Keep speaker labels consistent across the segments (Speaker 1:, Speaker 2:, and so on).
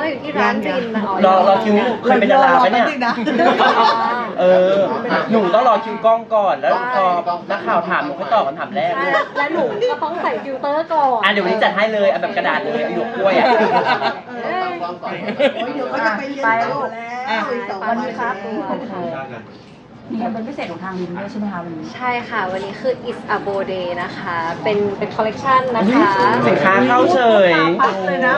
Speaker 1: อยู่ที่ร้านรินนะ
Speaker 2: รอคิวเคยเป็นดาราไหมเนี่ยหนูต้องรอคิวกล้องก่อนแล้วพอนักข่าวถามหนูค่อยตอบคำถามแรก
Speaker 1: และหนูก็ต้องใส่ฟิลเตอร์ก่อน
Speaker 2: เดี๋ยววันนี้จัดให้เลยเอาแบบกระดาษเลยหยวกกล้วยอ่ะ
Speaker 3: เดี๋ยวก็จะไปเรียนต่อแล้ว
Speaker 1: วันนี้ครับ
Speaker 4: มีแคมเปญพิเศษของทางลินด้วยใช่ไหมคะวันนี้
Speaker 1: ใช่ค่ะวันนี้คือ It's a Bow Day นะคะเป็นคอลเลกชันนะคะ
Speaker 2: สินค้าเข้าเฉย
Speaker 3: เลยนะ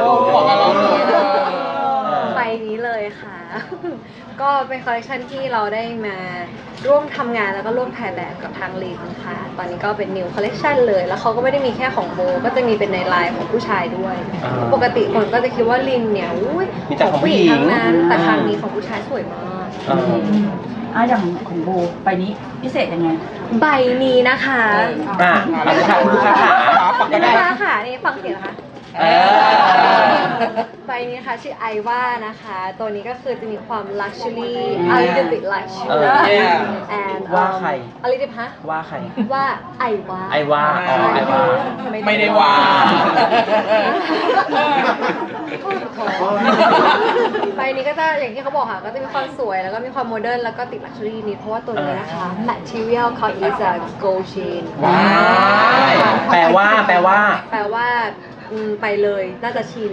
Speaker 1: ใบนี้เลยค่ะ ก็เป็นคอลเลกชันที่เราได้มาร่วมทำงานแล้วก็ร่วมถ่ายแบบกับทางลินค่ะ ตอนนี้ก็เป็น new collection เลย แล้วเขาก็ไม่ได้มีแค่ของโบก็จะมีเป็นในไลน์ของผู้ชายด้วย ปกติคนก็จะคิดว่าลินเนี่ยอุ้ย
Speaker 2: มีแต่ของผู้หญิง
Speaker 1: ทั้งนั้น แต่ครั้งนี้ของผู้ชายสวยมาก
Speaker 4: อย่างของโบใบนี้พิเศษยังไง
Speaker 1: ใบนี้นะคะ
Speaker 2: เอาเลยค่ะคุณลูกค้าขา
Speaker 1: คุณลูกค้าค่ะนี่ฟังเสียงนะคะ ใบนี้นะคะชื่อไอว่านะคะ ตัวนี้ก็คือจะมีความ luxury a little bit luxury and
Speaker 2: ว่าใคร
Speaker 1: a little bit ฮะ
Speaker 2: ว่าใคร
Speaker 1: ว่าไอว่า
Speaker 2: ไอว่าอ๋อไอว่า
Speaker 5: ไม่ได้ว่า
Speaker 1: ใบนี้ก็จะอย่างที่เขาบอกค่ะก็จะมีความสวยแล้วก็มีความโมเดิร์นแล้วก็ติด luxury นิดเพราะว่าตัวนี้นะคะ material เขา is a gold chain
Speaker 2: แปลว่า
Speaker 1: แปลว่าไปเลยน่าจะชิน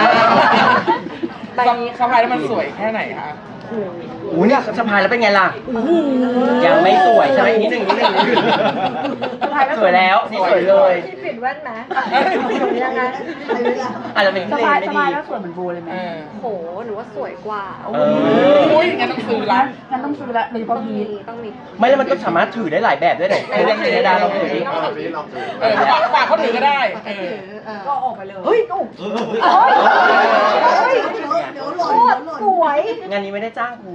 Speaker 1: ใบนี้
Speaker 5: สะพายแล้วมันสวยแค่ไหนคะ
Speaker 2: อู้เนี่ยสะพายแล้วเป็นไงล่ะยังไม่สวยใช่ไหมนิดหนึ่งสวยแล้วนี่สวยเลย
Speaker 1: พี่ปิดแว่นไหมยังไง
Speaker 2: อาจจะเป็น
Speaker 4: ส
Speaker 2: ที่
Speaker 4: บาย
Speaker 2: เลน
Speaker 4: ส
Speaker 2: ไม่
Speaker 4: บาย
Speaker 2: ดี
Speaker 4: แล้วสวยเหมือนโบเลยไหม
Speaker 1: โหหนูว่าสวยกว่า
Speaker 5: อุ้ยงั้นต้องซื้อละ
Speaker 4: งั้นต้องซื้อละโดยเฉพาะพีท
Speaker 1: ต้องมี
Speaker 2: ไม่แล้วมันก็สามารถถือได้หลายแบบด้วยเหรอยังไงดาเราถือดิ
Speaker 5: ฝากเขาถือก็ได้
Speaker 4: ก็ออกไปเลยเฮ้ยตุ๊ก
Speaker 3: เดี๋ยวหล่นเดี๋ยวหล่น
Speaker 4: สวย
Speaker 2: งานนี้ไม่ได้จ้างกู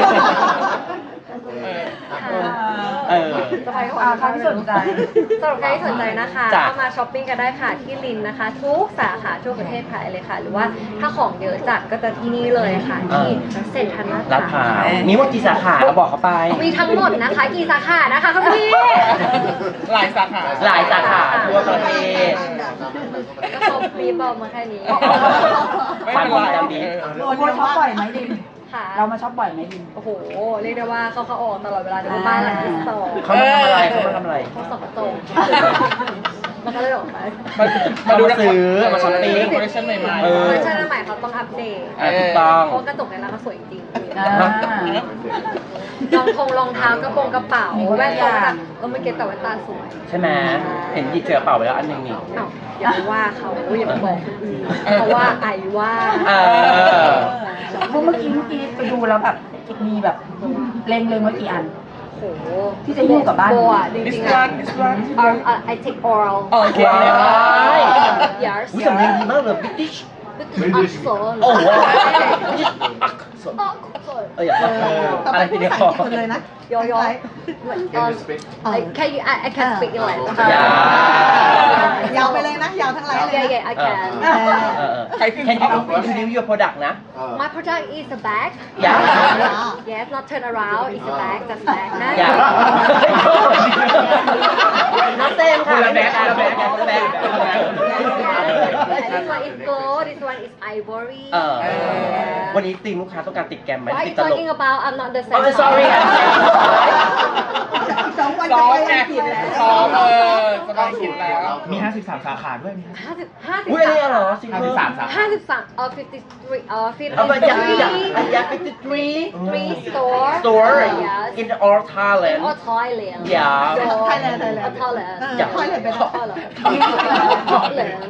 Speaker 1: สบาย
Speaker 4: ใครที่สนใจ
Speaker 1: สำหรับใครที่สนใจนะคะก็มาช้อปปิ้งกันได้ค่ะที่ลินนะคะ ทุกสาขาทั่วประเทศไทยเลยค่ะ หรือว่าถ้าของเยอะจัดก็จะที่นี่เลยค่ะที่เซ็นทรัล
Speaker 2: ลาดพร้าวมีว่ากี่สาขาก็บอกเขาไป
Speaker 1: มีทั้งหมดนะคะกี่สาขานะคะคุณพี่
Speaker 5: หลายสาขา
Speaker 2: หลายสาขาทั่วประเทศ
Speaker 1: ก็เขาปีบอกมาแค่นี้
Speaker 5: ไม่เป็นไร
Speaker 4: โบช็อปบ่อยไหมลิน
Speaker 1: ค่ะ
Speaker 4: เรามาช็อปบ่อยไหมลิน
Speaker 1: โอ้โหเรียกได้ว่าเขาออกตลอดเวลาในบ้านหลังที่สอง
Speaker 2: เขามาทำอะไรเขามาทำอะไร
Speaker 1: เขาส่องกระจกมันก็เลยออกไป
Speaker 2: มาดูซื้อมาช้อปปิ้ง
Speaker 5: คอลเลคชั่นใหม่
Speaker 1: คอลเลคชันใหม่เขาต้องอัปเดต
Speaker 2: ถูกต้อง
Speaker 1: เพราะกระจกในร้านเขาสวยจริง
Speaker 4: อ่า
Speaker 1: รองเท้ากระโปรงกระเป๋าแว่นตาไม่เก็ตแต่แว่นตาสวย
Speaker 2: ใช่ไหมเห็นหยิบเจอกระเป๋าไปแล้วอันหนึงนี่
Speaker 1: อ้าวอย่าไปว่าเขาอย่าไปบอกคนอื่นเพราะว่าไอว่า
Speaker 4: เมื่อกี้ไปดูแล้วแบบมีแบบเล็งไว้กี่อัน
Speaker 1: โอ้โห
Speaker 4: ที่จะหิ้วกลับบ้าน
Speaker 1: โบอ่ะจ
Speaker 5: ๆ
Speaker 1: ริ
Speaker 5: this
Speaker 1: งๆอ่ะ
Speaker 5: one this one
Speaker 1: I take oral
Speaker 5: โอเค
Speaker 1: yes
Speaker 2: อุ้ยสำเนียงดีมากเลย British
Speaker 1: British accent
Speaker 2: โอ้โห
Speaker 1: accent
Speaker 2: อยากอะไรทีเดียว
Speaker 3: เลยนะ
Speaker 1: Yo, can you? I can speak English.
Speaker 3: ยาวไปเลยนะ ยาวทั้งไลน์เลย
Speaker 1: Yeah, I can.
Speaker 5: ใครขึ้น
Speaker 2: Can you introduce your product นะ
Speaker 1: My product is a bag. Yes, not turn around. It's a bag. Just bag. นะ
Speaker 2: น้องเต้มค่ะแบกแบก
Speaker 1: This one is gold. This one is ivory.
Speaker 2: วันนี้ตีมลูกค้าต้องการติดแกรมไหม
Speaker 1: What are
Speaker 2: ติด
Speaker 1: you
Speaker 2: ตลก
Speaker 1: talking about? I'm not the same.
Speaker 2: Oh sorry
Speaker 3: 2 วัน
Speaker 5: ซ้
Speaker 3: จะ
Speaker 5: อม
Speaker 3: ไป
Speaker 5: ไง
Speaker 3: อังกฤษแล้ว
Speaker 5: ซ้อมสบายกินแล้ว
Speaker 6: มี 53 สาขาด้วยมี
Speaker 2: อุ้ยอันนี้เหรอซิงเกิล
Speaker 6: 53 สาขา
Speaker 1: 53 53
Speaker 2: เอาไปยักษ์
Speaker 1: 53
Speaker 2: ยักษ์53
Speaker 1: store.
Speaker 2: store
Speaker 1: Yes.
Speaker 2: in all Thailand
Speaker 1: Or Thailand.
Speaker 2: Yeah.
Speaker 3: Thailand
Speaker 1: Or Thailand.
Speaker 2: อยาก
Speaker 3: Thailand ไปนะ
Speaker 1: Thailand. Thailand.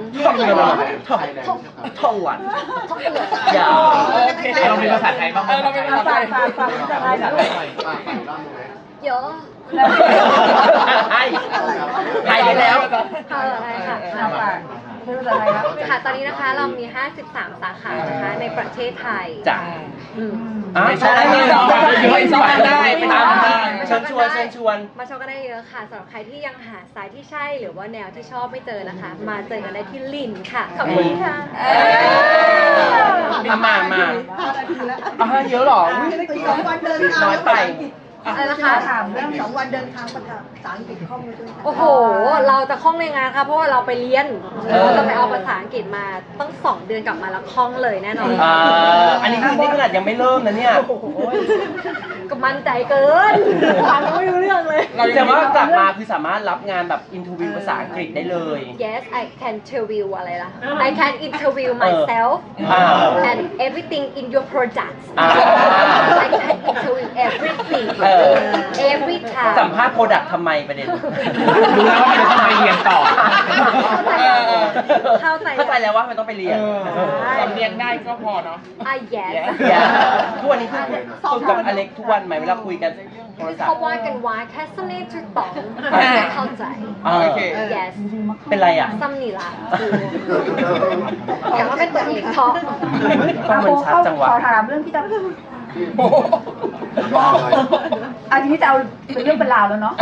Speaker 2: ท่องวัน
Speaker 1: Thailand.
Speaker 2: อย่า
Speaker 5: โอเค
Speaker 6: เรามีภาษาไทยบ้างไหม
Speaker 5: เราเป็นภาษาไทย
Speaker 4: ฝากจะได้แบบ
Speaker 1: เยอะ
Speaker 2: ไทยไทยได้แล้ว
Speaker 1: ค่ะอะไรค่ะ
Speaker 4: ฝากไม่รู้จะอะไรแล้ว
Speaker 1: ค่ะ ตอนนี้นะคะเรามี 53 สาขานะคะในประเทศไทย
Speaker 2: จ้ะ
Speaker 1: อืม
Speaker 2: ใช่ได้
Speaker 5: ไปตามได้
Speaker 2: เชิญชวนเชิญชวน
Speaker 1: มาชมกันได้เยอะค่ะสำหรับใครที่ยังหาสายที่ใช่หรือว่าแนวที่ชอบไม่เจอนะคะ มาเจอกันได้ที่ลินค่ะขอบคุณค่ะ
Speaker 2: มา
Speaker 3: 5 นาทีแล้ว
Speaker 2: เยอะหรอ
Speaker 3: 2 วันเดินทาง
Speaker 2: น้อยไป
Speaker 1: อะไรนะคะ
Speaker 4: ถามเรื่อง
Speaker 3: 2 วันเดินทางภาษาอังกฤษคล่องเลยด้วย
Speaker 1: โอ้โห เราจะคล่องในงานค่ะเพราะว่าเราไปเรียนเราจะไปเอาภาษาอังกฤษมาตั้ง2 เดือนกลับมาแล้วคล่องเลยแน่นอน
Speaker 2: อันนี้คือนี่ขนาดยังไม่เริ่มนะเนี่ย
Speaker 1: ก็มั่นใจเกินฟังไม่รู้เรื่องเลย
Speaker 2: แต่ว่ากลับมาคือสามารถรับงานแบบอินเทอร์วิวภาษาอังกฤษได้เลย
Speaker 1: Yes I can interview อะไรล่ะ I can interview myself
Speaker 2: อ่า
Speaker 1: and everything in your product
Speaker 2: อ่า
Speaker 1: I can interview everything
Speaker 2: เออ
Speaker 1: every time
Speaker 2: สัมภาษณ์โปรดักต์ทำไมประเด็น
Speaker 6: รู้แล้วว่ามันจะต้องไปเรียนต่อ
Speaker 1: เข้าใจ
Speaker 2: เข้าใจแล้วว่ามันต้องไปเรียน
Speaker 5: สำเนียงได้ก็พอเนาะ
Speaker 1: yes
Speaker 2: ทุกวันนี้คือฝึกกับอเล็กทุกวันไหมเวลาคุยกันโทรศัพ
Speaker 1: เขา
Speaker 2: ท์
Speaker 1: ว่ากันว่าแค่สนิทจุดต่องเข้าใจ
Speaker 5: โอเค
Speaker 1: yes
Speaker 2: เป็นไรอ่ะ
Speaker 1: ซ้ำนี่ละแต่ว่าเป็นตัวเองชอบ
Speaker 2: ก็มันชัดจังวะ
Speaker 4: ขอถามเรื่องที่จะอันนี้จะเอาเป็นเรื่องเป็นราวแล้วเนาะ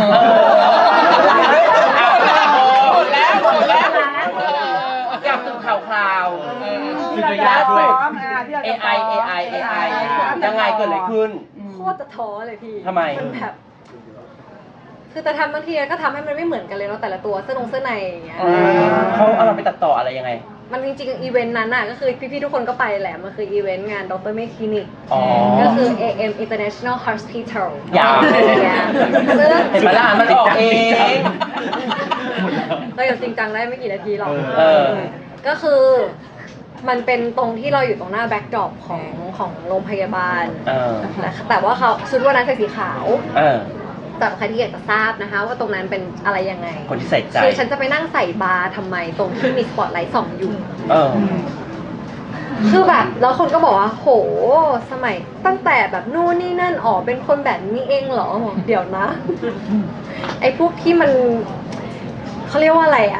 Speaker 5: หมดแล้วหมดแล้ว
Speaker 2: กลับสู่ข่าวคราว
Speaker 4: ที่เราจะฟ้องที่เราจะฟ้อง
Speaker 2: AI ยังไงเกิดอะไรขึ้น
Speaker 1: โคตรจะท้อเลยพี่
Speaker 2: ทำไม
Speaker 1: นแบบคือแต่ทำบางทีก็ทำให้มันไม่เหมือนกันเลยเนาะแต่ละตัวเสื้อในอย่างเงี้ย
Speaker 2: เขาเอาเราไปตัดต่ออะไรยังไง
Speaker 1: มันจริงๆอีเวนต์นั้นน่ะก็คือพี่ๆทุกคนก็ไปแหละมันคืออีเวนต์งานดรเมคคลินิก
Speaker 2: อ๋อ
Speaker 1: ก็คือ AM International Hospital
Speaker 2: ยาว
Speaker 1: ซึ่ง
Speaker 2: เห็นไหมล่ะมันออกเอง
Speaker 1: เราอย่างจริงจังได้ไม่กี่นาทีหรอก
Speaker 2: เออ
Speaker 1: ก็คือมันเป็นตรงที่เราอยู่ตรงหน้าแบ็กดรอปของโรงพยาบาล
Speaker 2: เออ
Speaker 1: แต่ว่าเขาชุดวันนั้นใส่สีขาว
Speaker 2: เออ
Speaker 1: สำหรับใครที่อยากจะทราบนะคะ ว่าตรงนั้นเป็นอะไรยังไง
Speaker 2: คนที่ใส่ใจ
Speaker 1: คือฉันจะไปนั่งใส่บาร์ทำไมตรงที่มีสปอตไลท์ส่องอยู่
Speaker 2: เออ
Speaker 1: คือแบบแล้วคนก็บอกว่าโหสมัยตั้งแต่แบบนู่นนี่นั่นอ๋อเป็นคนแบบนี้เองเหรอบอกเดี๋ยวนะ ไอ้พวกที่มันเขาเรียกว่าอะไรอ่ะ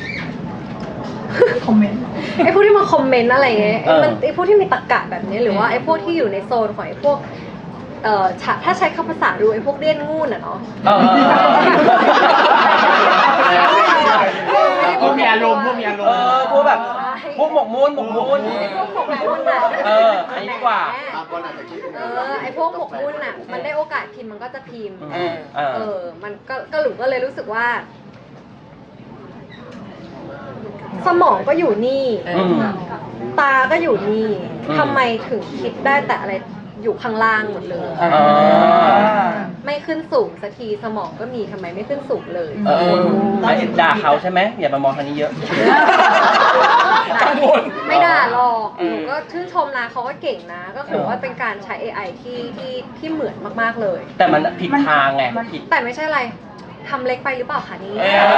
Speaker 4: คอมเมนต์
Speaker 1: ไอ้พวกที่มาคอมเมนต์อะไรเงี้ย
Speaker 2: เออ
Speaker 1: ไอ้พวกที่มีตรรกะแบบนี้หรือว่าไอ้พวกที่อยู่ในโซนของไอ้พวกถ้าใช้คำภาษาดูไอ้พวกเลี่ยนงูนอ่ะเนาะ
Speaker 2: เออ
Speaker 6: พวกมีอารมณ์พวกมีอารมณ์
Speaker 2: พวกแบบพวกหมกมุ่น
Speaker 1: ไอ้พวกหมกมุ่นอ่ะ
Speaker 2: เอออันนี้ดีกว่า
Speaker 1: ไอ้พวกหมกมุ่นอ่ะมันได้โอกาสพิมพ์มันก็จะพิมพ์
Speaker 2: เออ
Speaker 1: มันก็หลุมก็เลยรู้สึกว่า สมองก็อยู่นี่
Speaker 2: อืม
Speaker 1: ตาก็อยู่นี่
Speaker 2: อืม
Speaker 1: ทำไมถึงคิดได้แต่อะไรอยู่ข้างล่างหมดเลย
Speaker 2: เออ
Speaker 1: ไม่ขึ้นสูงสักทีสมองก็มีทำไมไม่ขึ้นสูงเลย
Speaker 2: เออไม่ด่าเขาใช่ไหมอย่ามามองทางนี้เยอะ
Speaker 5: กังวล
Speaker 1: ไม่ด่าหรอกหนูก็ชื่นชมนะเขาก็เก่งนะ ก็คือว่าเป็นการใช้ AI ที่เหมือนมากๆเลย
Speaker 2: แต่มันผิดทางไงผิด
Speaker 1: แต่ไม่ใช่อะไรทำเล็กไปหรือเปล่าคะนี่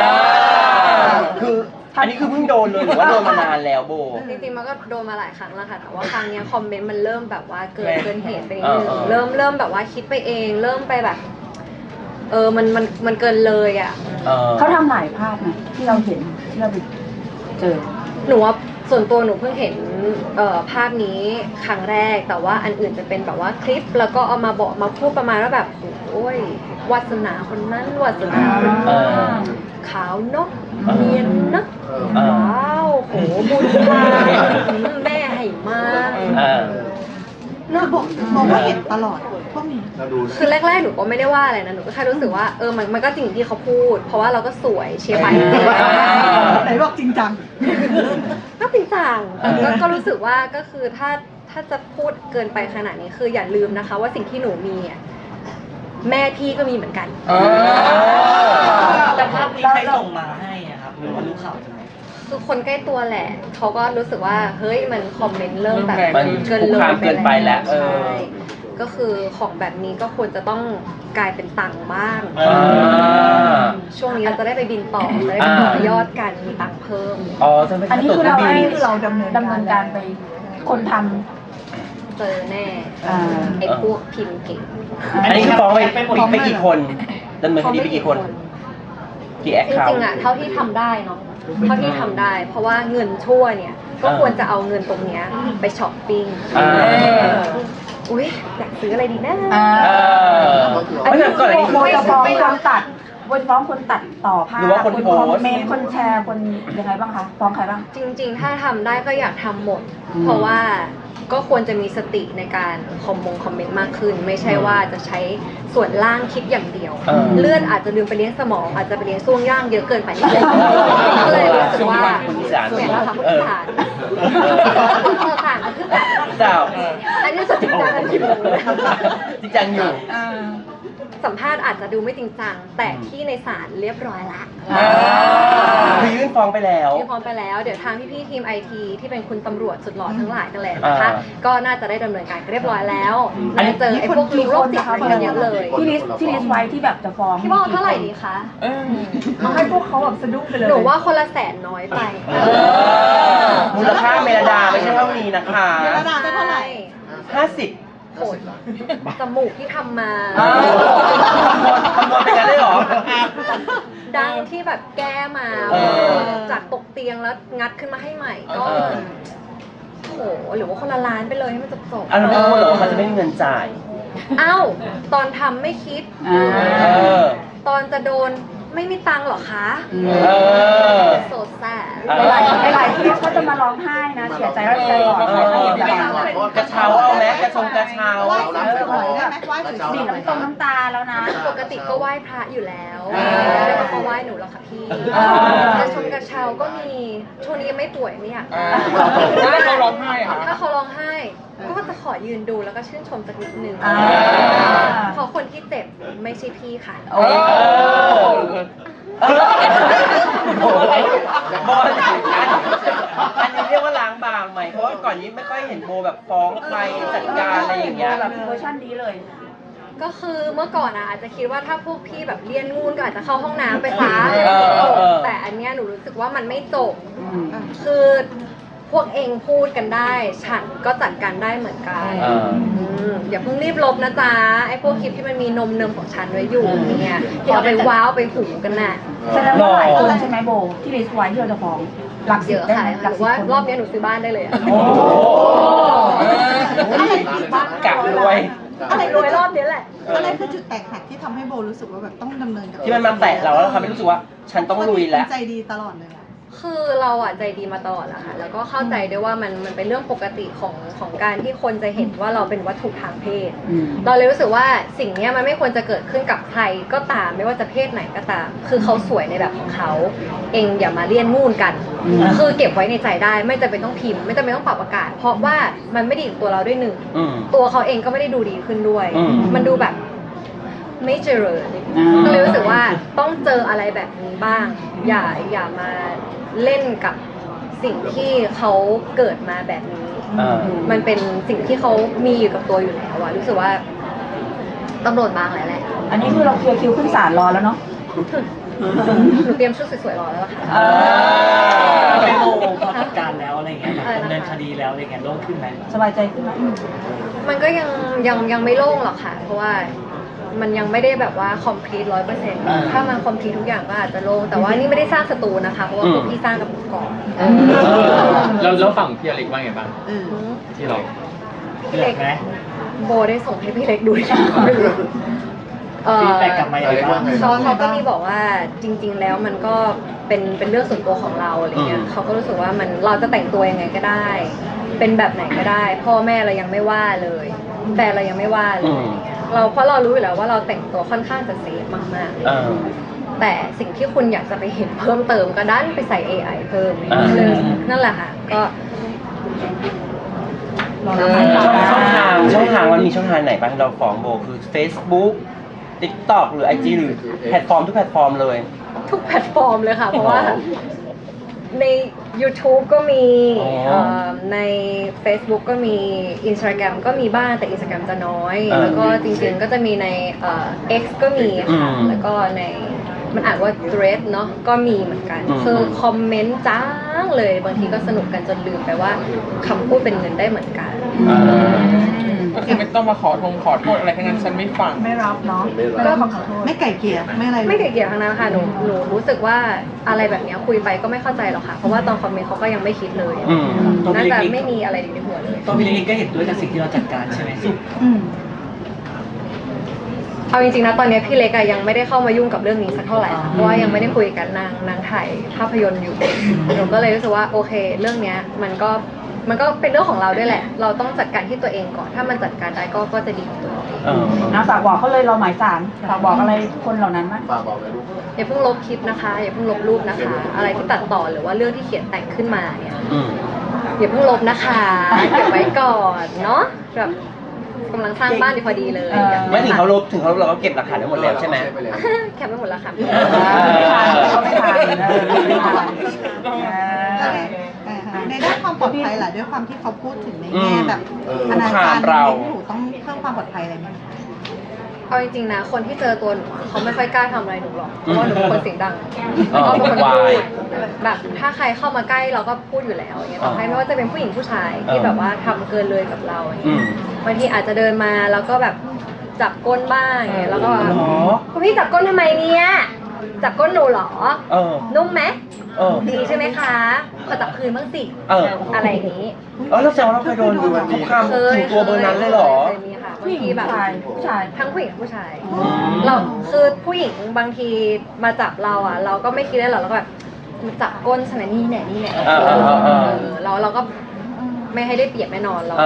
Speaker 2: คืออันนี้คือเพิ่งโดนเลยหรือว่าโดนมานานแล้วโบ
Speaker 1: จริงๆมันก็โดนมาหลายครั้งแล้วค่ะแต่ว่าครั้งเนี้ยคอมเมนต์มันเริ่มแบบว่าเกินเหตุไปนิดนึง
Speaker 2: เออ
Speaker 1: เริ่มแบบว่าคิดไปเองเริ่มไปแบบ มันเกินเลยอ่ะ
Speaker 4: เขาทำหลายภาพไงที่เราเห็นที่เราไปเจอ
Speaker 1: หนูว่าส่วนตัวหนูเพิ่งเห็นภาพนี้ครั้งแรกแต่ว่าอันอื่นจะเป็นแบบว่าคลิปแล้วก็เอามาบอกมาพูดประมาณว่าแบบโอ้ยวาสนาคนนั้นวาสนาคน
Speaker 2: เอ
Speaker 1: นี้
Speaker 2: อ
Speaker 1: ขาวเนาะเนียนเนาะ
Speaker 2: เออ
Speaker 1: ว้าวโหบุญมาแม่ให้มา
Speaker 2: เออ
Speaker 3: น่าบอกว่าเห็นตลอดพวกนี้
Speaker 1: คือแรกๆหนูก็ไม่ได้ว่าอะไรนะหนูก็แค่รู้สึกว่ามันก็จริงที่เขาพูด เพราะว่าเราก็สวยเชียร์ไป
Speaker 3: ไหนบอกจริงจัง
Speaker 1: ก็จริงจังก็รู้สึกว่าก็คือถ้าจะพูดเกินไปขนาดนี้คืออย่าลืมนะคะ ว่าสิ่งที่หนูมีอ่ะแม่พี่ก็มีเหมือนกัน
Speaker 7: แต่ภาพนี้ใครส่งมาให้อะครับหรือว่ารู้ข่าวจากไหน
Speaker 1: คือคนใกล้ตัวแหละเขาก็รู้สึกว่าเฮ้ยมันคอมเมนต์เริ่มแบบ
Speaker 2: มัน
Speaker 1: เกิน
Speaker 2: คุก
Speaker 1: เลย
Speaker 2: คามเกินไปแล้วเออ
Speaker 1: ใช่ก็คือของแบบนี้ก็ควรจะต้องกลายเป็นตังค์บ้าง
Speaker 2: อ่า
Speaker 1: ช่วงนี้เราจะได้ไปบินต่อจะได้ไปต่อยอดกันมีตังค์เพิ่ม
Speaker 2: อ๋อจะไม่
Speaker 4: อันนี้คือเรา
Speaker 2: บิ
Speaker 4: ให้
Speaker 2: น
Speaker 3: คือเราดำเนินการ
Speaker 4: การไปคนท
Speaker 1: เจอแน่
Speaker 4: ำอ่า
Speaker 1: ไอ้พวกพิมพ์เก่ง
Speaker 2: อันนี้คือฟ้องไปกี่คนดำเนินคดีไปกี่คน กี่แอค
Speaker 1: จ
Speaker 2: เคา
Speaker 1: ริ
Speaker 2: ท์
Speaker 1: งๆอ่ะเท่าที่ทำได้เนาะเท่าที่ทำได้ เพราะว่าเงินชั่วเนี่ยก็ควรจะเอาเงินตรงเนี้ยไปช้อปปิ้ง
Speaker 2: อ่า
Speaker 1: อุ้ยอยากซื้ออะไรดีนะ
Speaker 4: อ่า
Speaker 2: เออ
Speaker 4: อัน
Speaker 2: ไม่
Speaker 4: นี้
Speaker 2: ใช่ก่อนอันนี้
Speaker 4: โบจะฟ้องคนตัดโบจะฟ้องคนตัดต่อภาพ
Speaker 2: หรือว่าคนโพสต์
Speaker 4: คอมเมนต์คนแชร์คนยังไงบ้างคะฟ้องใครบ้าง
Speaker 1: จริงๆ ถ้าทำได้ก็อยากทำหมด เพราะว่าก็ควรจะมีสติในการคอมเมนต์มากขึ้น ไม่ใช่ว่าจะใช้ส่วนล่างคิดอย่างเดียว เลือดอาจจะลืมไปเลี้ยงสมองอาจจะไปเลี้ยงช่วงย่างเยอะเกินไปนิดนึงก็เลยรู้สึกว่า
Speaker 2: คนอีสาน
Speaker 1: เหมือนเราทำคนอีสานคนอีสานก็คือแบบ
Speaker 2: เจ้า
Speaker 1: อันนี้สุดจริงจังอันนี้
Speaker 2: จริงจังอยู่
Speaker 1: สัมภาษณ์อาจจะดูไม่จริงจังแต่ที่ในศาลเรียบร้อยละ
Speaker 2: คือยื่นฟ้องไปแล้ว
Speaker 1: ที่พร้อมไปแล้วเดี๋ยวทางพี่ๆทีมไอทีที่เป็นคุณตำรวจสุดหล่อทั้งหลายกันแหละนะคะ ก็น่าจะได้ดำเนินการเรียบร้อยแล้ว
Speaker 2: อันนี้
Speaker 1: เจอไอ้พวกลูกโรคจิตอะไรกันเยอะเลย
Speaker 4: ที่ลิสต์ไว้ที่แบบจะฟ้อง
Speaker 1: พี่บอกเท่าไหร่ดีคะ
Speaker 4: เอาให้พวกเขาแบบสะดุ้งไปเลย
Speaker 1: หนูว่าคนละ100,000น้อยไป
Speaker 2: มูลค่าเมลดาไม่ใช่เท่านี้นะคะ
Speaker 3: เมลดาได้เท่าไหร่
Speaker 2: 50
Speaker 1: โอ้ยจมูกที่ทำมา
Speaker 2: คำนวณเป็นกันได้เหรอ
Speaker 1: ดังที่แบบแก้มา
Speaker 2: เออ
Speaker 1: จากตกเตียงแล้วงัดขึ้นมาให้ใหม่ก็โอ้โหหรือว่าคนละล้านไปเลยให้มันจบๆ
Speaker 2: อันนี้ไม่รู้เหรอว่ามันจะไม่มีเงินจ่าย
Speaker 1: เอ้าตอนทำไม่คิด
Speaker 2: เออ
Speaker 1: ตอนจะโดนไม่มีตังค์เหรอคะ
Speaker 2: เออ
Speaker 1: โซแซ่
Speaker 4: หลายๆที่เขาจะมาร้องไห้นะเสียใจว่าใจอ่อน
Speaker 2: กระเช้าเอาไหมกระชงกระเช้า
Speaker 3: ไหว้สวยๆได้ไหมไหว้สวย
Speaker 4: ดิ่งน้ำตาแล้วนะ
Speaker 1: ปกติก็ไหว้พระอยู่แล้ว
Speaker 2: อ่า
Speaker 1: ไม่ได้มาไหว้หนูหรอกค่ะพี่
Speaker 2: อ่า
Speaker 1: กระชงกระเช้าก็มีช่วงนี้ยังไม่ป่วยไม่อยาก
Speaker 5: ถ้าเขาร้องไห้อะ
Speaker 1: ถ้า
Speaker 5: ค่ะ
Speaker 1: เขาร้องไห้ ก็จะขอยืนดูแล้วก็ชื่นชมสักนิดนึง
Speaker 4: อ่า
Speaker 1: เพราะคนที่เจ็บไม่ใช่พี่ค่ะ
Speaker 4: โอ้
Speaker 2: โบอะไรโบอะไรอันนี้เรียกว่าล้างบางไหมเพราะว่าก่อนนี้ไม่ค่อยเห็นโบแบบฟ้องใครจัดการอะไรอย่างเงี้ย
Speaker 4: แบบเวอร์ชันนี้เลย
Speaker 1: ก็คือเมื่อก่อนอาจจะคิดว่าถ้าพวกพี่แบบเลียนงูนก็อาจจะเข้าห้องน้ำไปซะ แต่อันเนี้ยหนูรู้สึกว่ามันไม่จบ คือพวกเองพูดกันได้ ฉันก็จัดการได้เหมือนกัน อย่าเพิ่งรีบลบนะจ๊ะ ไอ้พวกคลิปที่มันมีนมเนมของฉันไว้อยู่เนี่ยอย่าไปว้าวไปหูกันน่ะ
Speaker 4: แสดงว่าหลายคนใช่ไหมโบที่ลิสต์ไว้ที่เราจะฟ้องหลัก
Speaker 1: เยอะค่ะหรือว่ารอบเนี้ยหนูซื้อบ้านได้เลยอะ
Speaker 2: โอ้โหกะรวย
Speaker 3: อะไร
Speaker 1: รวยรอบเนี้ยแหละ
Speaker 3: อะไรคือจุดแตกหักที่ทำให้โบรู้สึกว่าแบบต้องดำเนินกับ
Speaker 2: ที่มันมาแตะเราแล้วเราทำให้รู้สึกว่า ฉันต้องลุยแล้ว
Speaker 3: ใจดีตลอดเลยอะ
Speaker 1: คือเราอ่ะใจดีมาตลอดแหละค่ะ แล้วก็เข้าใจด้วยว่ามันเป็นเรื่องปกติของการที่คนจะเห็นว่าเราเป็นวัตถุทางเพศ เราเลยรู้สึกว่าสิ่งเนี้ยมันไม่ควรจะเกิดขึ้นกับใครก็ตามไม่ว่าจะเพศไหนก็ตาม คือเขาสวยในแบบของเขาเองอย่ามาเลี่ยนงูนกัน คือเก็บไว้ในใจได้ไม่จำเป็นต้องพิมพ์ไม่จำเป็นต้องปรับอากาศ เพราะว่ามันไม่ดีกับตัวเราด้วยหนึ่ง ตัวเขาเองก็ไม่ได้ดูดีขึ้นด้วย มันดูแบบไม่เจริญก็เลยรู้สึกว่าต้องเจออะไรแบบนี้บ้าง อย่ามาเล่นกับสิ่งที่เขาเกิดมาแบบนี้ มันเป็นสิ่งที่เขามีอยู่กับตัวอยู่แล้วอะรู้สึกว่าตำรวจบางแหละ
Speaker 4: อันนี้คือเราเคลียร์คิวขึ้นศาลรอแล้วเนาะ
Speaker 1: หนูเตรียมชุดสวยๆรอแล้วล่ะค่ะ
Speaker 7: ไปโมพอจัดการแล้วอะไรเงี้ยแบบดำเนินคดีแล้วอะไรเงี้ยโล่งขึ้นไหม
Speaker 4: สบายใจขึ้นไหม
Speaker 1: มันก็ยังไม่โล่งหรอกค่ะ เพราะว่ามันยังไม่ได้แบบว่า complete 100%ถ้ามัน complete ทุกอย่างก็อาจจะโล่งแต่ว่านี่ไม่ได้สร้างศัตรูนะคะ เพราะว่าพวกพี่สร้างกับหนูก่อน
Speaker 6: แล้วฝั่งพี่อเล็กว่าไงบ้างที่เรา
Speaker 1: พี่เล็ก
Speaker 7: ไหม
Speaker 1: โบได้ส่งให้พี่เล็กดูยังไม่รู้
Speaker 7: ฟีดแบ็กกลับมาอย่างไรบ้าง
Speaker 1: เขาก็มีบอกว่าจริง ๆ แล้วมันก็เป็นเรื่องส่วนตัวของเราอะไรเงี้ยเขาก็รู้สึกว่ามันเราจะแต่งตัวยังไงก็ได้ เป็นแบบไหนก็ได้ พ่อแม่เรายังไม่ว่าเลยแฟนเรายังไม่ว่าเลยอะไรเงี้ยเพราะเรารู้อยู่แล้วว่าเราแต่งตัวค่อนข้างจะเซฟมากๆแต่สิ่งที่คุณอยากจะไปเห็นเพิ่มเติมก็ดันไปใส่ AI เพิ่มเลยนั่นแหละค่ะก็
Speaker 2: ช่องทางมันมีช่องทางไหนบ้างที่เราฟ้องโบคือ Facebook TikTok หรือ IG หรือแพลตฟอร์มทุกแพลตฟอร์มเลย
Speaker 1: ทุกแพลตฟอร์มเลยค่ะ เพราะว่าใน YouTube ก็มีใน Facebook ก็มี Instagram ก็มีบ้างแต่ Instagram จะน้อย แล้วก็จริงๆก็จะมีในX ก็มีค่ะแล้วก็ในมันอ่านว่า Thread เนาะก็มีเหมือนกันคือคอมเมนต์จ้างเลยบางทีก็สนุกกันจนลืมไปว่าคำพูดเป็นเงินได้เหมือนกัน
Speaker 5: ก็คือไม่ต้องมาขอโทษอะไรทั้งนั้นฉันไม่ฟัง
Speaker 4: ไม่รับเนาะ
Speaker 1: ก็
Speaker 3: ไม่ไก่เกลี่ยไม่อะไร
Speaker 1: ไม่เกี่ยวทั้งนั้นค่ะหนูรู้สึกว่าอะไรแบบเนี้ยคุยไปก็ไม่เข้าใจหรอกค่ะเพราะว่าตอนคอมเมนต์เขาก็ยังไม่คิดเลยน่าจะไม่มีอะไรอยู่ในหัวเลย
Speaker 7: ตัวพี่เล็กก็เห็นด้วยกับสิ่งที่เราจัดการใช่ไหม
Speaker 1: เอาจริงๆนะตอนนี้พี่เล็กอะยังไม่ได้เข้ามายุ่งกับเรื่องนี้สักเท่าไหร่ค่ะเพราะว่ายังไม่ได้คุยกันนางถ่ายภาพยนตร์อยู่หนูก็เลยรู้สึกว่าโอเค เรื่องเนี้ยมันก็มันก็เป็นเรื่องของเราด้วยแหละ เราต้องจัดการที่ตัวเองก่อน ถ้ามันจัดการได้ก็จะดีของตัวเราเอง
Speaker 4: นะฝากบอกเขาเลยเราหมายสารฝากบอกอะไรคนเหล่านั้นไหม
Speaker 6: ฝากบอกเลยลูก
Speaker 1: อย่าเพิ่งลบคลิปนะคะ อย่าเพิ่งลบรูปนะคะ อะไรที่ตัดต่อหรือว่าเรื่องที่เขียนแต่งขึ้นมาเนี่ย อย่าเพิ่งลบนะคะเก็บไว้ก่อนเนาะแบบกำลังสร้างบ้านดีพอดีเลย
Speaker 2: ไม่ถึงเขาลบเราก็เก็บหลักฐานได้หมดแล้วใช่ไหม
Speaker 1: แคปไปหมดแล้วค่ะ
Speaker 4: เขาไม่ทันไม่ทัน
Speaker 3: ในด้านความปลอดภัยล่ะด้วยความที่เขาพูดถึงในแง่แบบอนาจาร
Speaker 2: เรา
Speaker 3: หนูต้องเพิ่มความปลอดภัยอะไรไหม
Speaker 1: เอาจริงๆนะ คนที่เจอตัวหนูอะเขาไม่ค่อยกล้าทำอะไรหนูหรอก เพราะว่าหนูเป็นคนเสียงดัง
Speaker 2: อ๋อ
Speaker 1: แล้วก็เป็นคน
Speaker 2: วา
Speaker 1: พู
Speaker 2: ย
Speaker 1: ดแบบถ้าใครเข้ามาใกล้เราก็พูดอยู่แล้วอย่างเงี้ยต่อให้ไม่ว่าจะเป็นผู้หญิงผู้ชายที่แบบว่าทำเกินเลยกับเราอย่างเงี้ยบางทีอาจจะเดินมาแล้วก็แบบจับก้นบ้างอย่างเงี้ยแล้วก็แบบ
Speaker 2: หรอ
Speaker 1: คุณพี่จับก้นทำไมเนี่ยจับก้นหนูเหรอ นุ่มไหม ดีใช่ไหมคะขอจับคืนบ้างสิอะไรอย่างนี้
Speaker 2: แล้วแสดงว่าเราเคยโดนคุกคามถึงตัวเบอร์นั้นเลยเหรอ
Speaker 1: เคยมีค่ะบาง
Speaker 4: ผู้หญิง
Speaker 1: ทีแบบ
Speaker 4: ผู้ชาย
Speaker 1: ทั้งผู้หญิงผู้ชายเราคือผู้หญิงบางทีมาจับเราอ่ะ เราก็ไม่คิดได้หรอกเราก็แบบจับก้นสมัยนี่แน่นี่แน่เราก็ไม่ให้ได้เปรียบแน่นอนเรา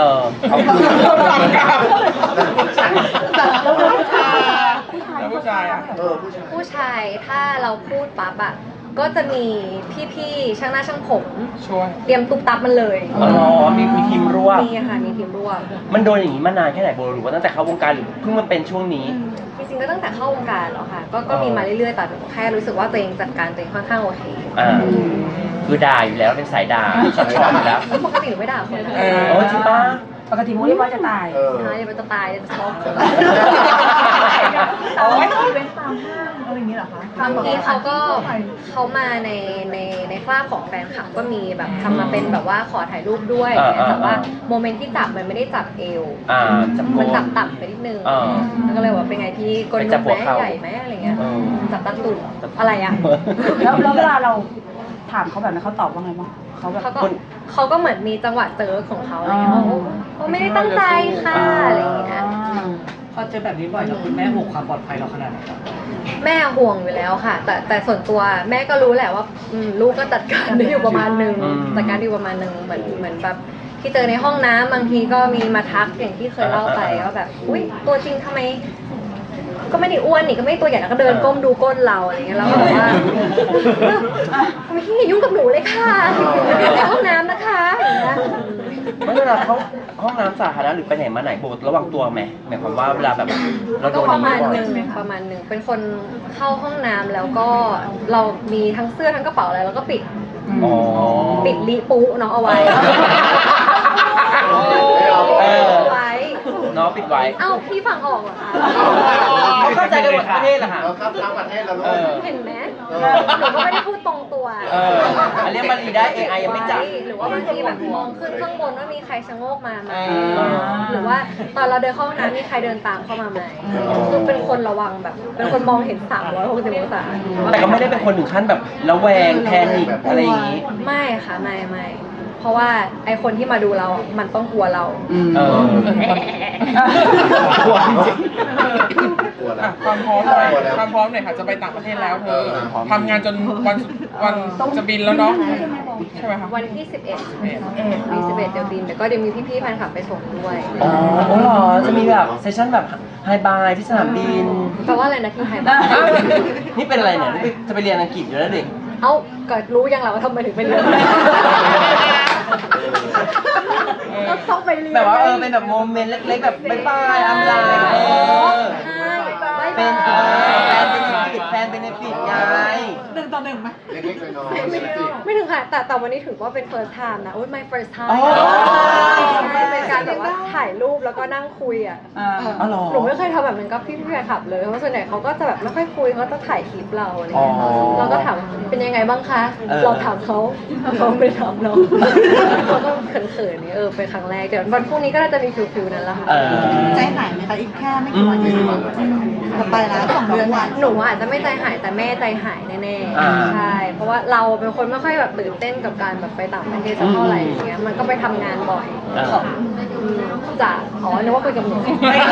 Speaker 5: แล้วผู้ชายอ่ะ
Speaker 1: ผู้ชายถ้าเราพูดปั๊บอ่ะก็จะมีพี่ๆช่างหน้าช่างผม
Speaker 5: ช่วย
Speaker 1: เตรียมตุ๊บตับมันเลย
Speaker 2: มีทีมร่วม
Speaker 1: มีค่ะมีทีมร่วม
Speaker 2: มันโดนอย่างนี้มานานแค่ไหนโบหรือว่าตั้งแต่เข้าวงการหรือเพิ่งมาเป็นช่วงนี้
Speaker 1: จริงๆก็ตั้งแต่เข้าวงการแล้วค่ะ ก็มีมาเรื่อยๆแต่หนูแค่รู้สึกว่าตัวเองจัดการตัวเองค่อนข้างโอเค
Speaker 2: คือด่าอยู่แล้วเป็นสายด่าช็อตอยู่แล้ว
Speaker 1: ปกติหนูไม่ด่าคนนะ
Speaker 2: โอ้จริงป่ะ
Speaker 4: ปกติมูเรียกว่าจะตาย
Speaker 1: ใช่มันจะตายจะช็อก
Speaker 4: โอ้ยเป็นตามห้างอะไรอย่างนี้เหรอคะ
Speaker 1: บางทีเขามาในคราบของแฟนคลับก็มีแบบทำมาเป็นแบบว่าขอถ่ายรูปด้วยแต่ว่าโมเมนต์ที่จับมันไม่ได้จับเอว
Speaker 2: จับ
Speaker 1: มันจับต่ำไปนิดนึงแล้วก็เลยว่าเป็นไงพี่ก้นนุ่มไหมใหญ่ไหมอะไรเงี้ยจับตั้งตุ่นอะไรอ่ะ
Speaker 4: แล้วเวลาเราถามเขาแบบนั้นเขาตอบว่าไงบ้างเขาแบบ
Speaker 1: เขาก็เหมือนมีจังหวะเจอของเขาอะไรเงี้ยเขาไม่ได้ตั้งใจค่ะอะไรเงี้ย
Speaker 7: พอเจอแบบนี้บ่อยแล้วคุณแม่ห่วงความปลอดภัยเราขนาดไหนครับ
Speaker 1: แม่ห่วงอยู่แล้วค่ะ แต่ส่วนตัวแม่ก็รู้แหละว่าลูกก็จัดการได้อยู่ประมาณนึงจัดการได้อยู่ประมาณนึงเหมือนแบบที่เจอในห้องน้ำบางทีก็มีมาทักอย่างที่เคยเล่าไปว่าแบบอุ้ยตัวจริงทำไมก็ไม่ได้อ้วนนี่ก็ไม่ตัวใหญ่แล้วก็เดินก้มดูก้นเราอะไรเงี้ยแล้วก็บอกว่าทำไมพี่อย่ายุ่งกับหนูเลยค่ะในห้องน้ำนะคะอย่างเงี้ย
Speaker 2: ไม่เวลาเขาห้องน้ำสาธารณะหรือไปไหนมาไหนโบระวังตัวไหมหมายความว่าเวลาแบบเราโด
Speaker 1: ก็
Speaker 2: น
Speaker 1: ประมาณ
Speaker 2: บ่อย
Speaker 1: หนึ่งประมาณหนึ่งเป็นคนเข้าห้องน้ำแล้วก็เรามีทั้งเสื้อทั้งกระเป๋าอะไรแล้วก็ปิด ปิดลิปูน้องเอาไว้ไว้
Speaker 2: น้องปิดไว้
Speaker 1: เอ้าพี่ฟังออกเหรอคะ
Speaker 2: เขาเข้าใจกันหมดประเทศเหรอคะ
Speaker 6: เราครับทั้งประเทศแล้วลูก
Speaker 1: เห็นไหมหนูก็ไม่ได้พูดตรงตัว
Speaker 2: อันเรียกมารีได้ AI ยังไม่จับ
Speaker 1: หรือว่าบางทีแบบมองขึ้นข้างบนว่ามีใครชะโงกมาไหมหรือว่าตอนเราเดินเข้าห้องน้ำมีใครเดินตามเข้ามาไหมคือเป็นคนระวังแบบเป็นคนมองเห็น360องศา
Speaker 2: แต่ก็ไม่ได้เป็นคนถึงขั้นแบบระแวงแพนิคอะไรอย่างนี้
Speaker 1: ไม่ค่ะไม่เพราะว่าไอคนที่มาดูเรา มันต้องกลัวเรา
Speaker 6: กลัวจริงกลัวแล้ว
Speaker 5: ความพร้อมหน่อยความพร้อมหน่อยค่ะจะไปต่างประเทศแล้วเธอทำงานจนวันจะบินแล้วเนาะใช่ไหมคะ
Speaker 1: วันที่ 11มี11เดี๋ยวบินแต่ก็เดี๋ยวมีพี่ๆแฟนคลับไปส่งด้วย
Speaker 2: อ๋อเหรอ จะมีแบบเซสชั่นแบบไฮบายที่สนามบิน
Speaker 1: แปลว่าอะไรนะที่ไทยบ้าง
Speaker 2: นี่เป็นอะไรเนี่ยนี่จะไปเรียนอังกฤษอยู่แล้วเด็ก
Speaker 1: เอ้าก็รู้ยังเราว่าทำไมถึงไปเรียน
Speaker 4: ก็ต้องไปเรียน
Speaker 2: แบบว่าเป็นแบบโมเมนต์เล็กๆแบบบ๊ายบายอำลาเป็นแฟนเบเนฟิตไง
Speaker 3: 1 ต่อ 1ไหม
Speaker 6: เล็กๆน้อยๆ
Speaker 1: ไม่ถึงค่ะแต่วันนี้ถือว่าเป็น first time นะอุ้ย my first time
Speaker 2: อ๋อ
Speaker 1: เป็นการแบบว่าถ่ายรูปแล้วก็นั่งคุยอ่ะ
Speaker 2: อ๋อเหรอ
Speaker 1: หนูไม่เคยทำแบบนั้นกับพี่แฟนคลับเลยเพราะส่วนใหญ่เขาก็จะแบบไม่ค่อยคุยเขาจะถ่ายคลิปเราอะไรเงี้ย
Speaker 2: อ๋อ
Speaker 1: เราก็ถามเป็นยังไงบ้างคะ
Speaker 2: เออ
Speaker 1: เราถามเขาเขาไม่ได้ถามเราเขาก็เขินๆนี่เป็นครั้งแรกเดี๋ยววันพรุ่งนี้ก็น่าจะมีฟิลๆนั้นละค่ะ
Speaker 3: ใจหายไหมคะอีกแค่ไม่กี่วันเองจะไปแล้ว2 เดือนเนี่ย
Speaker 1: หนูอาจจะไม่ใจหายแต่แม่ใจหายแน่
Speaker 2: อ่า
Speaker 1: ๆใช่เพราะว่าเราเป็นคนไม่ค่อยแบบตื่นเต้นกับการแบบไปต่างประเทศสักเท่าไหร่อย่างเงี้ยมันก็ไปทำงานบ่อยจากนึกว่าคุยกับหนู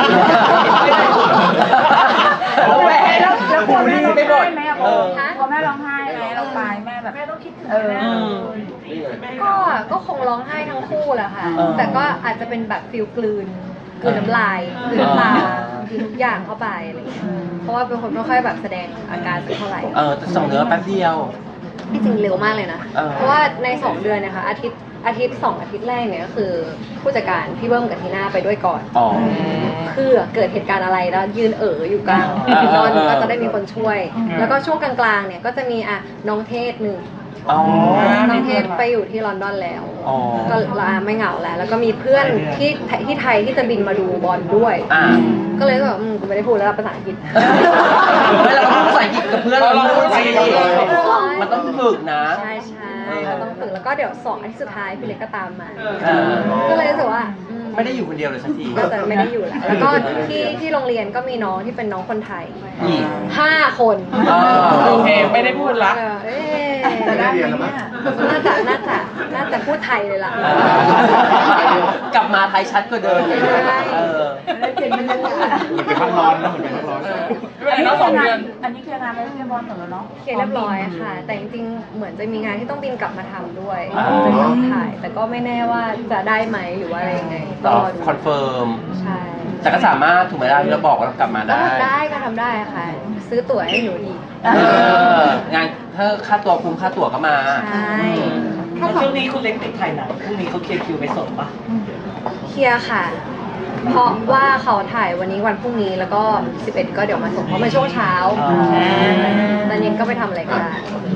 Speaker 2: แล้วแหว
Speaker 4: แล้วกลัวแม่ร้อง
Speaker 2: ไม่หม
Speaker 4: ไห้
Speaker 2: ด
Speaker 4: ไหมอะโบกลัวแม่ร้องไห้ไหมเราไปแม่แบบแม่ต้องคิดถึง
Speaker 1: ก็ก็คงร้องไห้ทั้งคู่แหละค่ะ
Speaker 2: เออ
Speaker 1: แต่ก็อาจจะเป็นแบบฟิลกลืนน้ำลายกลืนน้ำตาคืนทุกอย่างเข้าไปอะไรอย่างเงี้ยเพราะว่าเป็นคนไม่ค่อยแบบแสดงอาการสักเท่าไหร่
Speaker 2: แต่ส่งเนื้อแป๊บเดียว
Speaker 1: ที่จริงเร็วมากเลยนะ
Speaker 2: เออ
Speaker 1: เพราะว่าใน 2 เดือนนะคะอาทิตย์2 อาทิตย์แรกเนี่ยก็คือผู้จัดการพี่เบิ้มกับทีน่าไปด้วยก่อน
Speaker 2: อ๋อ
Speaker 1: เพื่อเกิดเหตุการณ์อะไรแล้วยืนอยู่กลาง
Speaker 2: เออ
Speaker 1: นอน
Speaker 2: เออ
Speaker 1: ก็จะได้มีคนช่วย แล้วก็ช่วงกลางๆเนี่ยก็จะมีน้องเทศหนึ่ง
Speaker 2: อ๋อ
Speaker 1: น้องเทศไปอยู่ที่ลอนดอนแล้ว
Speaker 2: อ๋อ
Speaker 1: ก็ไม่เหงาแล้ว แล้วก็มีเพื่อนที่ไทยที่จะบินมาดูบอลด้วย ก็เลยแบบกูไม่ได้พูดแล้วภาษาอังกฤษ
Speaker 2: ไม่เราต้องพูดภาษาอังกฤษกับเพื่อนเรา
Speaker 5: เราพูดภาษาอังกฤษ
Speaker 2: มันต้องฝึกนะ
Speaker 1: ใช่เราต้องฝึกแล้วก็เดี๋ยว2 อาทิตย์สุดท้ายพี่เล็กก็ตามมา
Speaker 2: เออ
Speaker 1: ก็เลยรู้สึกว่า
Speaker 2: ไม่ได้อยู่คนเดียวเลยสักที
Speaker 1: ก็จะไม่ได้อยู่แล้ว แล้วก็ที่โรงเรียนก็มีน้องที่เป็นน้องคนไทย
Speaker 2: อีก
Speaker 1: 5 คน
Speaker 5: โอเคไม่ได้พูดละ
Speaker 1: เอ๊ะ
Speaker 3: จะได้ไหมเนี่ย
Speaker 1: น่าจะพูดไทยเลยล่ะ
Speaker 2: กลับมาไทยชัดกว่าเดิม
Speaker 1: ใช่
Speaker 4: ได้เปลี่ยนบรรยากาศ
Speaker 6: เหมือนเป็นพักร้อนนะเหมือนเป็นพักร้อน
Speaker 5: ไม่เป็นไรเนาะ2 เดือน
Speaker 4: อันนี้คืองานไปเรียบร้อยหมดแล้วเนาะ
Speaker 1: เคลียร์เรียบร้อยค่ะ แต่จริงๆ เหมือนจะมีงานที่ต้องบินกลับมาทำด้วย
Speaker 2: อ๋อ
Speaker 1: จะต้องถ่าย แต่ก็ไม่แน่ว่าจะได้ไหมหรือว่าอะไรยังไงต้องรอดู
Speaker 2: คอนเฟิร์ม
Speaker 1: ใช่
Speaker 2: แต่ก็สามารถถูกไหมล่ะที่เราบอกว่าเรากลับมา
Speaker 1: ก็
Speaker 2: ได้
Speaker 1: ทำได้ก็ทำได้ค่ะ ซื้อตั๋วให้หนูอีก
Speaker 2: งานถ้าค่าตัวคุ้มค่าตั๋วก็มา
Speaker 1: ใช่
Speaker 7: แล้วช่วงนี้คุณเล็กติดถ่ายหนังพรุ่งนี้เขาเคลียร์คิวไปส่งปะ
Speaker 1: เคลียร์ค่ะ เพราะว่าเขาถ่ายวันนี้วันพรุ่งนี้แล้วก็ 11 ก็เดี๋ยวมาส่งเพราะมันช่วงเช้าตอนเย็นก็ไปทำอะไรก็ได้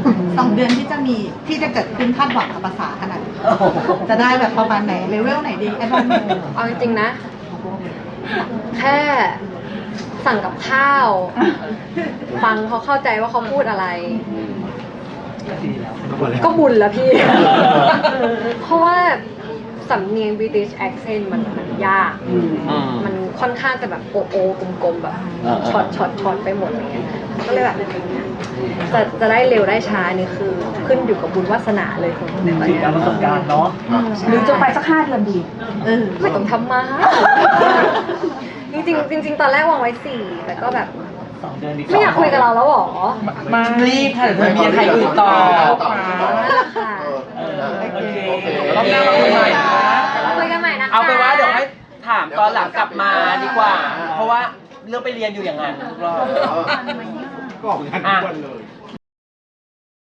Speaker 3: 2 เดือนที่จะเกิดขึ้นคาดหวังกับภาษาขนาดไหนจะได้แบบประมาณไหนเลเวลไหนดีไอ้บ้านหนู
Speaker 1: เอาจริงๆนะ แค่สั่งกับข้าว ฟังเขาเข้าใจว่าเขาพูดอะไร
Speaker 7: ก็ดีแล้ว
Speaker 1: ก็บุญแล้วพี่ เพราะว่าสำเนียง British accent มันยาก มันค่อนข้างจะแบบโกลมๆแบบช็อตไปหมดอะไรเงี้ยก็เลยแบบจะได้เร็วได้ช้านี่คือขึ้นอยู่กับบุญวาสนาเลยคนในตอน
Speaker 7: ติด
Speaker 1: เนี้ย
Speaker 7: การประสบการณ์เนาะ
Speaker 4: หรือจะไปสัก5 เดือนดี
Speaker 1: ไม่ต้องทำมา จริงๆตอนแรกวางไว้ 4 แต่ก็แบบ
Speaker 7: 2 เดือนดี
Speaker 1: ไม่อยากคุยกับเราแล้วหรอ
Speaker 5: มา
Speaker 2: รีบค่ะเดี๋ยวเธอมีใครอื่นต่อ
Speaker 1: นั่นแหละค่ะ
Speaker 7: โอเค
Speaker 5: รอบหน้ามาคุยใหม่นะ
Speaker 1: คุยกันใหม่นะคะ
Speaker 2: เอาไปนว่าเดี๋ยวให้ถามตอนหลังกลับมาดีกว่า เพราะว่าเรื่องไปเรียนอยู่อย่างนั้นทุกรอบ
Speaker 6: ก็ออกงานทุกวันเลย